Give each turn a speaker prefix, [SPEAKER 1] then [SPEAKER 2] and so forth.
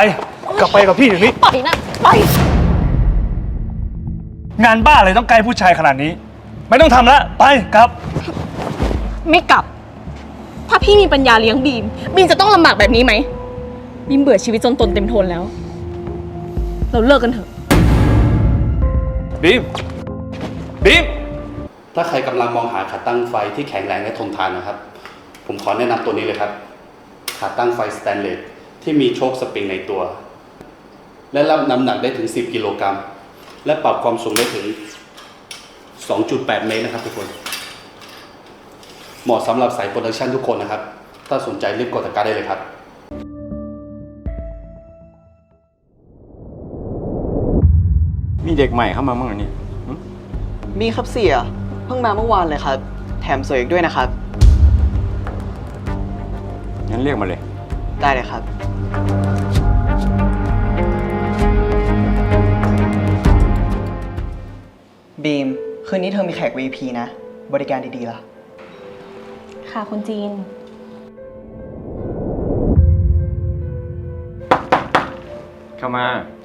[SPEAKER 1] กลับไปกับพี่เดี๋ยวนี้
[SPEAKER 2] ปล่อยนะไป
[SPEAKER 1] งานบ้าอะไรต้องไกลผู้ชายขนาดนี้ ไม่ต้องทำละไปกลับ
[SPEAKER 2] ไม่กลับ ถ้าพี่มีปัญญาเลี้ยงบีม บีมจะต้องลำบากแบบนี้ไหม บีมเบื่อชีวิตจนตนเต็มทนแล้ว เราเลิกกันเถอะ
[SPEAKER 1] บีม บีม
[SPEAKER 3] ถ้าใครกำลังมองหาขาตั้งไฟที่แข็งแรงและทนทานนะครับ ผมขอแนะนำตัวนี้เลยครับ ขาตั้งไฟสแตนเลสที่มีโชคสปริงในตัว และรับน้ำหนักได้ถึง 10 กิโลกรัม และปรับความสูงได้ถึง 2.8 เมตรนะครับทุกคน เหมาะสำหรับสายโปรดักชันทุกคนนะครับ ถ้าสนใจรีบกดตะกร้าได้เลยครับ
[SPEAKER 4] มีเด็กใหม่เข้ามาบ้างเหรอเนี่ย
[SPEAKER 5] มีครับเสีย เพิ่งมาเมื่อวานเลยครับ แถมสวยอีกด้วยนะครับ
[SPEAKER 4] งั้นเรียกมาเลย
[SPEAKER 5] ได้เลยครับ บีม คืนนี้เธอมีแขก VIP นะ บริการดีๆล่ะ
[SPEAKER 2] ค่ะคุณจีน
[SPEAKER 4] เข้ามา